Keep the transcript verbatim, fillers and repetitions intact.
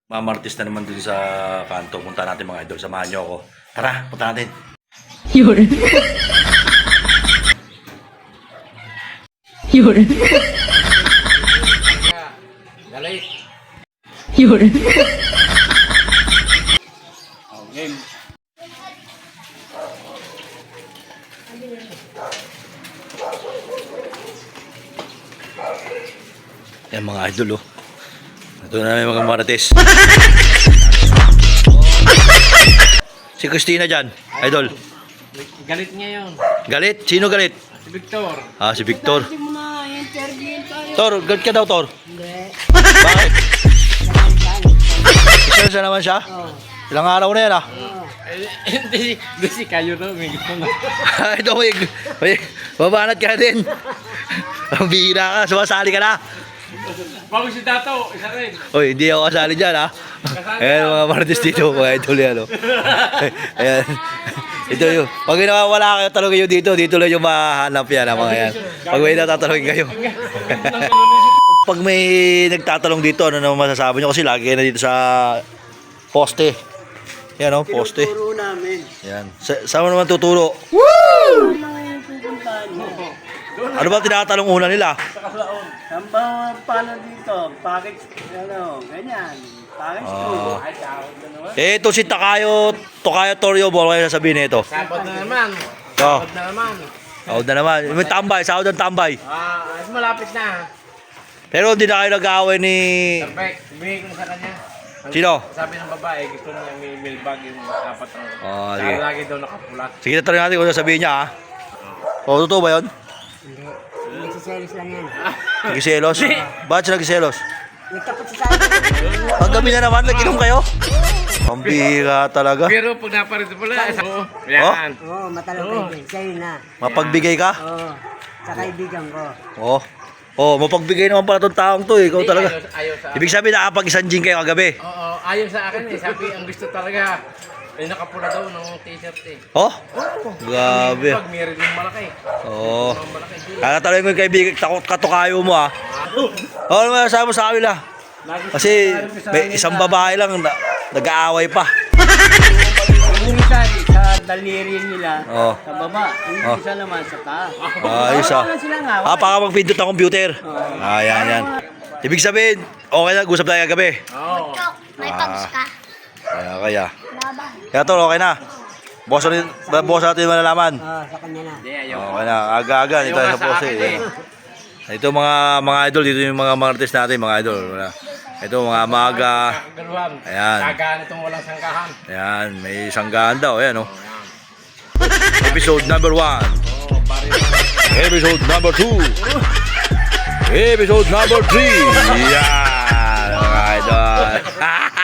Mamartis na naman dun sa kanto. Punta natin mga idol. Samahan nyo ako. Tara, punta natin. Yun. Yun. Galit. Yun. Oh, game. Yan mga idol oh. Ito na may mga marites. Si Christina dyan, idol. Galit niya yun. Galit? Sino galit? Si Victor. Ah, si Victor. Hindi mo na interview tayo. Tor, galit ka daw, Tor. Hindi. Bakit? Isa naman siya? Oo. Ilang araw na yan ah. Oo. Eh, Hindi, hindi si kayo na. May gusto na. Ito, may, may, babanat ka din. Ang bihira ka, sumasali ka na. Bago si Dato, isa rin. Uy, hindi ako kasali dyan ha. Ayan mga marites dito, mga idol yan oh. Ayan. Ito yung, pag nawawala kayo, talongin nyo dito, dito lang yung mahanap yan ha, mga yan. Pag may natatalongin kayo. Pag may nagtatalong dito, ano naman masasabi nyo? Kasi lagi na dito sa poste. Yan o, poste. Tinuturo namin. Yan. Sa saan mo naman tuturo? Ano lang yung pupuntahan mo? Ano ba tinatalong una nila? Saan ba paano dito? Package, ano, ganyan. Package Ah. ko. Ay, tawag na naman. Eh, ito si Takayo, Tokayo Torrio, bawal kayo sasabihin nito. Sabot na naman. Oh. Sabot na naman. Sahod na naman. May tambay, sahod ng tambay. Ah, ay, malapit na. Pero hindi na kayo nag-aaway ni... Perfect. Bigay ko na sa kanya. Sino? Sabi ng babae, gusto niya may mailbag yung apat ng... Ah, Saka sige. lagi daw nakapula. Sige, tatanungin natin kung sasabihin niya ha. O, totoo ba yun? Nagsiselos lang yan. Nagiselos? Bakit siya nagiselos? Nagtapot sa sabi. Ang gabi na naman, nag-inom kayo? Pambira talaga. Pero pag naparito pala, oo. Yan. Oo, matalong kaibigan. Sa'yo na. Mapagbigay ka? Oo. Sa kaibigan ko. Oo. Oh, mapagbigay naman pala itong taong to eh. Ikaw Hindi, talaga. Ayaw, ayaw sa akin. Ibig sabihin, nakapag-isang gin kayo kagabi. Oo, ayaw sa akin eh. Sabi, ang gusto talaga, eh nakapula daw ng t-shirt eh. Oh? Oo. Grabe. Pag meron yung malaki. Oo. Ang malaki. Kaya talaga yung kaibigan, takot katukayo mo ah. Oo, ano masasabi mo sa kanila? Kasi may isang babae lang na, nag-aaway pa. Yung isa sa daliri nila, Oo. sa baba. Yung Oh. isa naman sa taas. Ayos ah. Wala silang away. Ah, baka mag-pindot ng computer. Ah, yan, yan. Ibig sabihin, okay na, gusap tayo kagabi. Oo. May pabs ka. Kaya, kaya. Laban. Kaya tol, okay na. Boss natin, boss natin malalaman. Oo, sa kanya na. Hindi, ayaw. Okay na, aga-aga. Dito tayo sa post eh. Ito mga mga idol, dito yung mga mga artist natin, mga idol. Wala. Ito mga maga. Kakagaluhan. Ayan. Kagaan itong walang sangkahan. Ayan, may sanggahan daw. Ayan oh. Episode number one. Oo, pare. Episode number two. Episode number three. Yan, mga idol.